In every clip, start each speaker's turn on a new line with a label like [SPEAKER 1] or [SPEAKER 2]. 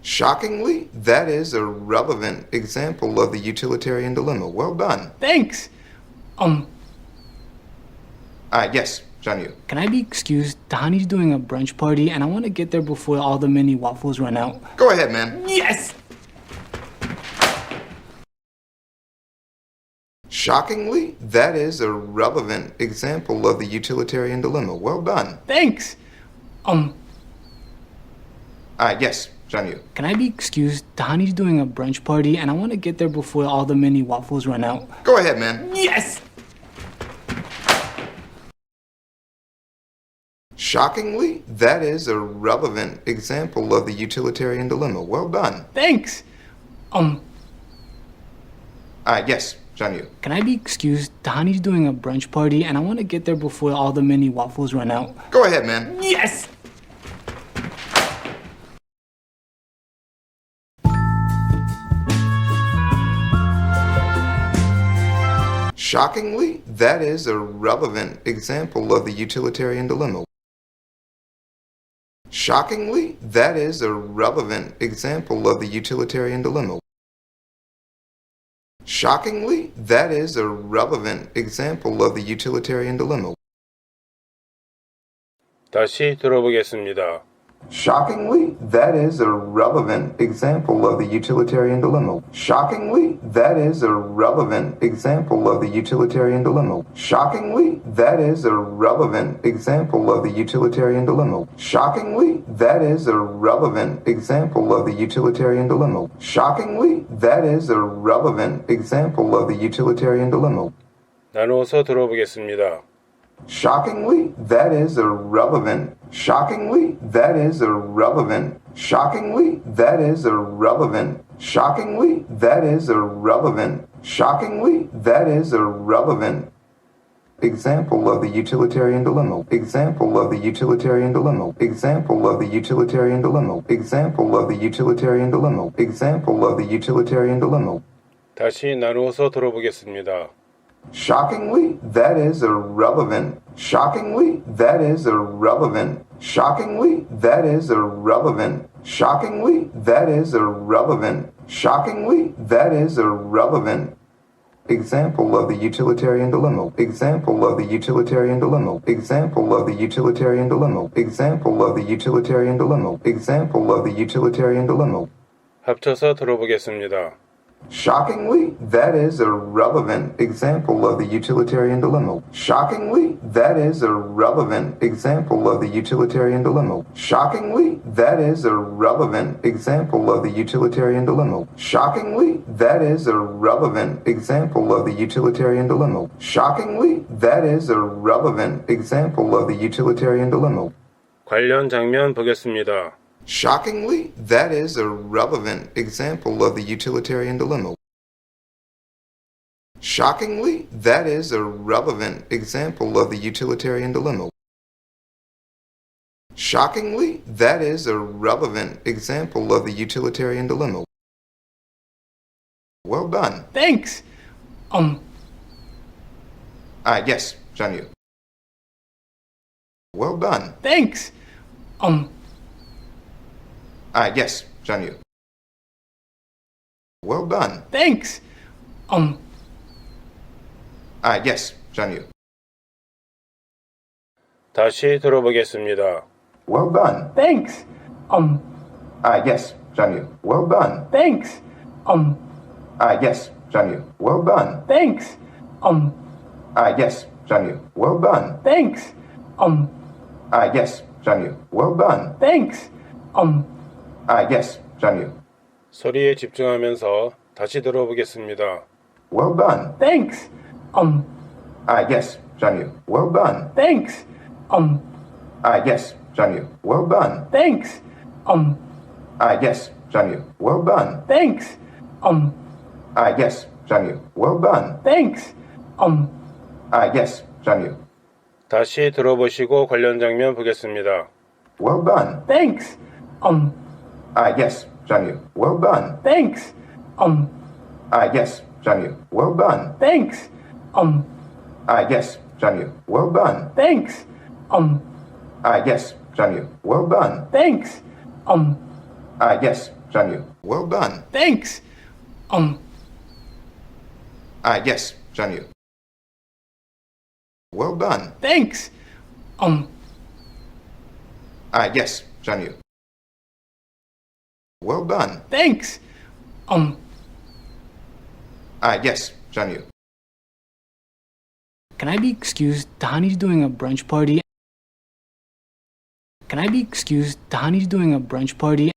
[SPEAKER 1] Shockingly, that is a relevant example of the utilitarian dilemma. Well done.
[SPEAKER 2] Thanks.
[SPEAKER 1] Yes, John Yu.
[SPEAKER 2] Can I be excused? Tahani's doing a brunch party and I want to get there before all the mini waffles run out.
[SPEAKER 1] Go ahead, man.
[SPEAKER 2] Yes!
[SPEAKER 1] Shockingly, that is a relevant example of the utilitarian dilemma. Well done.
[SPEAKER 2] Thanks.
[SPEAKER 1] Yes, John Yu.
[SPEAKER 2] Can I be excused? Tahani's doing a brunch party and I want to get there before all the mini waffles run out.
[SPEAKER 1] Go ahead, man.
[SPEAKER 2] Yes!
[SPEAKER 1] Shockingly, that is a relevant example of the utilitarian dilemma. Well done.
[SPEAKER 2] Thanks.
[SPEAKER 1] Yes, John Yu.
[SPEAKER 2] Can I be excused? Tahani's doing a brunch party and I want to get there before all the mini waffles run out.
[SPEAKER 1] Go ahead, man.
[SPEAKER 2] Yes!
[SPEAKER 1] Shockingly, that is a relevant example of the utilitarian dilemma. Shockingly, that is a relevant example of the utilitarian dilemma. Shockingly, that is a relevant example of the utilitarian dilemma.
[SPEAKER 3] 다시 들어보겠습니다.
[SPEAKER 1] Shockingly, that is a relevant example of the utilitarian dilemma. Shockingly, that is a relevant example of the utilitarian dilemma. Shockingly, that is a relevant example of the utilitarian dilemma. Shockingly, that is a relevant example of the utilitarian dilemma. Shockingly, that is a relevant example of the utilitarian dilemma.
[SPEAKER 3] 나누어서 들어보겠습니다.
[SPEAKER 1] Shockingly, that is irrelevant. Shockingly, that is irrelevant. Shockingly, that is irrelevant. Shockingly, that is irrelevant. Shockingly, that is irrelevant. Example of the utilitarian dilemma. Example of the utilitarian dilemma. Example of the utilitarian dilemma. Example of the utilitarian dilemma. Example of the utilitarian dilemma.
[SPEAKER 3] 다시 나누어서 들어보겠습니다.
[SPEAKER 1] Shockingly, that is irrelevant. Shockingly, that is irrelevant. Shockingly, that is irrelevant. Shockingly, that is irrelevant. Shockingly, that is irrelevant. Example of the utilitarian dilemma. Example of the utilitarian dilemma. Example of the utilitarian dilemma. Example of the utilitarian dilemma. Example of the utilitarian dilemma.
[SPEAKER 3] 합쳐서 들어보겠습니다.
[SPEAKER 1] Shockingly, that is irrelevant. Example of the utilitarian dilemma. Shockingly, that is irrelevant. Example of the utilitarian dilemma. Shockingly, that is irrelevant. Example of the utilitarian dilemma. Shockingly, that is irrelevant. Example of the utilitarian dilemma. Shockingly, that is irrelevant. Example of the utilitarian dilemma.
[SPEAKER 3] 관련 장면 보겠습니다.
[SPEAKER 1] Shockingly, that is a relevant example of the utilitarian dilemma. Shockingly, that is a relevant example of the utilitarian dilemma. Shockingly, that is a relevant example of the utilitarian dilemma. Well done.
[SPEAKER 2] Thanks.
[SPEAKER 1] Yes, John Yu. Well done.
[SPEAKER 2] Thanks.
[SPEAKER 1] Yes, John Yu. Well done.
[SPEAKER 2] Thanks.
[SPEAKER 1] Yes, John Yu.
[SPEAKER 3] 다시 들어보겠습니다.
[SPEAKER 1] Well done.
[SPEAKER 2] Thanks.
[SPEAKER 1] Yes, John Yu. Well done.
[SPEAKER 2] Thanks.
[SPEAKER 1] Yes, John Yu. Well done.
[SPEAKER 2] Thanks.
[SPEAKER 1] Yes, John Yu. Well done.
[SPEAKER 2] Thanks.
[SPEAKER 1] Yes, John Yu. Well done.
[SPEAKER 2] Thanks.
[SPEAKER 1] Yes, John Yu.
[SPEAKER 3] 소리에 집중하면서 다시 들어보겠습니다.
[SPEAKER 1] Well done.
[SPEAKER 2] Thanks.
[SPEAKER 1] Yes, John Yu. Well done.
[SPEAKER 2] Thanks.
[SPEAKER 1] Yes, John Yu. Well done.
[SPEAKER 2] Thanks.
[SPEAKER 1] Yes, John Yu. Well done.
[SPEAKER 2] Thanks.
[SPEAKER 1] Yes, John Yu. Well done.
[SPEAKER 2] Thanks.
[SPEAKER 1] Yes, John Yu.
[SPEAKER 3] 다시 들어보시고 관련 장면 보겠습니다.
[SPEAKER 1] Well done.
[SPEAKER 2] Thanks.
[SPEAKER 1] Yes, John Yu. Well done.
[SPEAKER 2] Thanks.
[SPEAKER 1] Yes, John Yu. Well done.
[SPEAKER 2] Thanks.
[SPEAKER 1] Yes, John Yu. Well done.
[SPEAKER 2] Thanks.
[SPEAKER 1] Yes, John Yu. Well done.
[SPEAKER 2] Thanks.
[SPEAKER 1] Yes, Janyu. Well done.
[SPEAKER 2] Thanks.
[SPEAKER 1] Yes, Janyu. Well done.
[SPEAKER 2] Thanks.
[SPEAKER 1] Yes, Janyu. Well done.
[SPEAKER 2] Thanks.
[SPEAKER 1] Yes, Janyu.
[SPEAKER 2] Can I be excused? Tahani's doing a brunch party. Can I be excused? Tahani's doing a brunch party.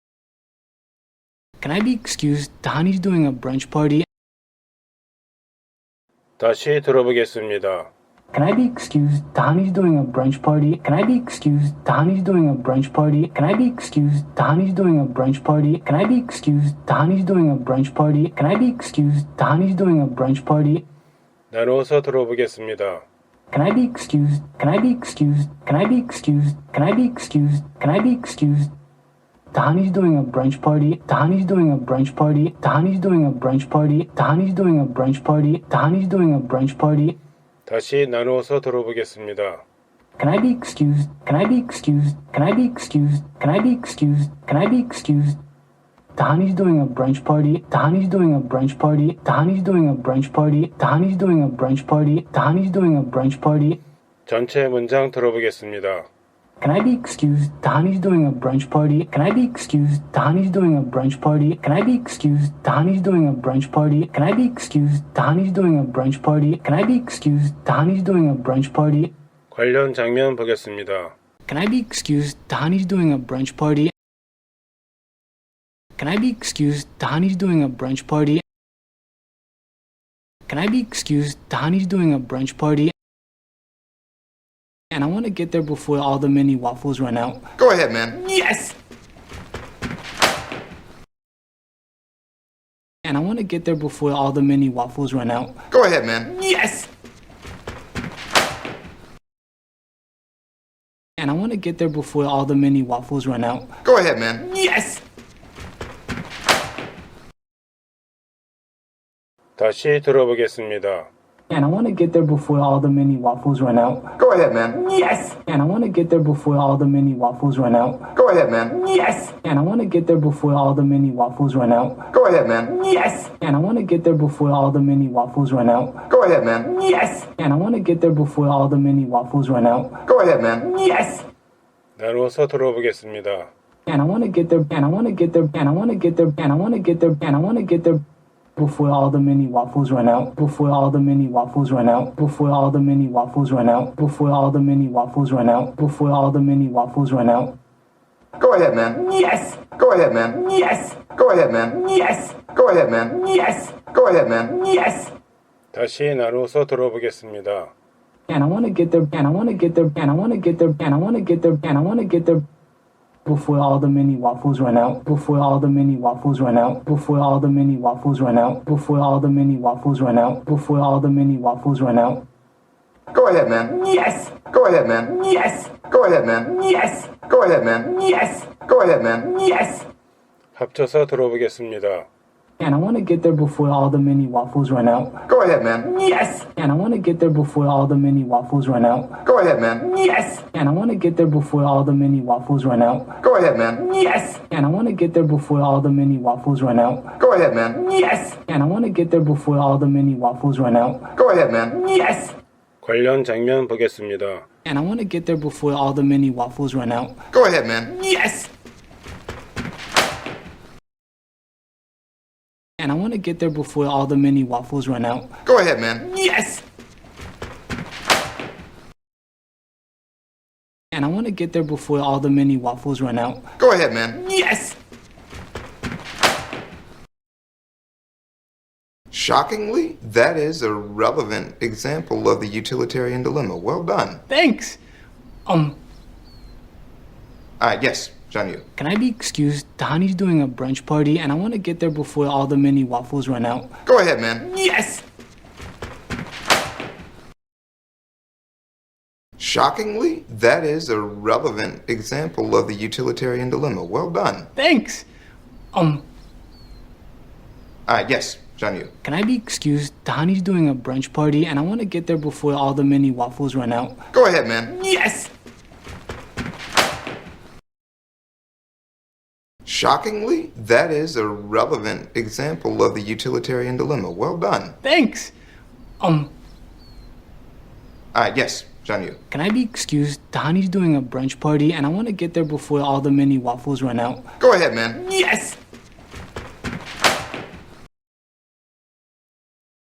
[SPEAKER 2] Can I be excused? Tahani's doing a brunch party.
[SPEAKER 3] 다시 들어보겠습니다.
[SPEAKER 2] Can I be excused? Tahani's doing a brunch party. Can I be excused? Tahani's doing a brunch party. Can I be excused? Tahani's doing a brunch party. Can I be excused? Tahani's doing a brunch party. Can I be excused? Tahani's doing a brunch party.
[SPEAKER 3] 나누어서 들어보겠습니다.
[SPEAKER 2] Can I be excused? Can I be excused? Can I be excused? Can I be excused? Can I be excused? Tahani's doing a brunch party. Tahani's doing a brunch party. Tahani's doing a brunch party. Tahani's doing a brunch party. Tahani's doing a brunch party.
[SPEAKER 3] 다시 나누어서 들어보겠습니다.
[SPEAKER 2] Can I be excused? Can I be excused? Can I be excused? Can I be excused? Can I be excused? Tahani's doing a brunch party. Tahani's doing a brunch party. Tahani's doing a brunch party. Tahani's doing a brunch party. Tahani's doing a brunch party.
[SPEAKER 3] 전체 문장 들어보겠습니다.
[SPEAKER 2] Can I be excused? Tahani's doing a brunch party. Can I be excused? Tahani's doing a brunch party. Can I be excused? Tahani's doing a brunch party. Can I be excused? Tahani's doing a brunch party. Can I be excused? Tahani's doing a brunch party.
[SPEAKER 3] 관련 장면 보겠습니다.
[SPEAKER 2] Can I be excused? Tahani's doing a brunch party. Can I be excused? Tahani's doing a brunch party. Can I be excused? Tahani's doing a brunch party. And I want to get there before all the mini waffles run out.
[SPEAKER 1] Go ahead, man.
[SPEAKER 2] Yes! And I want to get there before all the mini waffles run out.
[SPEAKER 1] Go ahead, man.
[SPEAKER 2] Yes! And I want to get there before all the mini waffles run out.
[SPEAKER 1] Go ahead, man.
[SPEAKER 2] Yes!
[SPEAKER 3] 다시 들어보겠습니다.
[SPEAKER 2] And I want to get there before all the mini waffles run out.
[SPEAKER 1] Go ahead, man.
[SPEAKER 2] Yes! And I want to get there before all the mini waffles run out.
[SPEAKER 1] Go ahead, man.
[SPEAKER 2] Yes! And I want to get there before all the mini waffles run out.
[SPEAKER 1] Go ahead, man.
[SPEAKER 2] Yes! And I want to get there before all the mini waffles run out.
[SPEAKER 1] Go ahead, man.
[SPEAKER 2] Yes! And I want to get there before all the mini waffles run out.
[SPEAKER 1] Go ahead, man.
[SPEAKER 2] Yes!
[SPEAKER 3] 나누어서 들어보겠습니다.
[SPEAKER 2] And I want to get there, and I want to get there, and I want to get there, and I want to get there, and I want to get there before all the mini waffles run out. Before all the mini waffles run out. Before all the mini waffles run out. Before all the mini waffles run out. Before all the mini waffles run out.
[SPEAKER 1] Go ahead, man.
[SPEAKER 2] Yes!
[SPEAKER 1] Go ahead, man.
[SPEAKER 2] Yes!
[SPEAKER 1] Go ahead, man.
[SPEAKER 2] Yes!
[SPEAKER 1] Go ahead, man.
[SPEAKER 2] Yes!
[SPEAKER 1] Go ahead, man.
[SPEAKER 2] Yes!
[SPEAKER 3] 다시 나누어서 들어보겠습니다.
[SPEAKER 2] And I want to get there, and I want to get there, and I want to get there, and I want to get there, and I want to get there before all the mini waffles run out. Before all the mini waffles run out. Before all the mini waffles run out. Before all the mini waffles run out. Before all the mini waffles run out.
[SPEAKER 1] Go ahead, man.
[SPEAKER 2] Yes!
[SPEAKER 1] Go ahead, man.
[SPEAKER 2] Yes!
[SPEAKER 1] Go ahead, man.
[SPEAKER 2] Yes!
[SPEAKER 1] Go ahead, man.
[SPEAKER 2] Yes!
[SPEAKER 1] Go ahead, man.
[SPEAKER 2] Yes!
[SPEAKER 3] 합쳐서 들어보겠습니다.
[SPEAKER 2] And I want to get there before all the mini waffles run out.
[SPEAKER 1] Go ahead, man.
[SPEAKER 2] Yes! And I want to get there before all the mini waffles run out.
[SPEAKER 1] Go ahead, man.
[SPEAKER 2] Yes! And I want to get there before all the mini waffles run out.
[SPEAKER 1] Go ahead, man.
[SPEAKER 2] Yes! And I want to get there before all the mini waffles run out.
[SPEAKER 1] Go ahead, man.
[SPEAKER 2] Yes! And I want to get there before all the mini waffles run out.
[SPEAKER 1] Go ahead, man.
[SPEAKER 2] Yes!
[SPEAKER 3] 관련 장면 보겠습니다.
[SPEAKER 2] And I want to get there before all the mini waffles run out.
[SPEAKER 1] Go ahead, man.
[SPEAKER 2] Yes! And I want to get there before all the mini waffles run out.
[SPEAKER 1] Go ahead, man.
[SPEAKER 2] Yes! And I want to get there before all the mini waffles run out.
[SPEAKER 1] Go ahead, man.
[SPEAKER 2] Yes!
[SPEAKER 1] Shockingly, that is a relevant example of the utilitarian dilemma. Well done.
[SPEAKER 2] Thanks!
[SPEAKER 1] Yes, Janyu.
[SPEAKER 2] Can I be excused? Tahani's doing a brunch party and I want to get there before all the mini waffles run out.
[SPEAKER 1] Go ahead, man.
[SPEAKER 2] Yes!
[SPEAKER 1] Shockingly, that is a relevant example of the utilitarian dilemma. Well done.
[SPEAKER 2] Thanks!
[SPEAKER 1] Yes, Janyu.
[SPEAKER 2] Can I be excused? Tahani's doing a brunch party and I want to get there before all the mini waffles run out.
[SPEAKER 1] Go ahead, man.
[SPEAKER 2] Yes!
[SPEAKER 1] Shockingly, that is a relevant example of the utilitarian dilemma. Well done.
[SPEAKER 2] Thanks.
[SPEAKER 1] Yes, John Yu.
[SPEAKER 2] Can I be excused? Tahani's doing a brunch party, and I want to get there before all the mini waffles run out.
[SPEAKER 1] Go ahead, man.
[SPEAKER 2] Yes!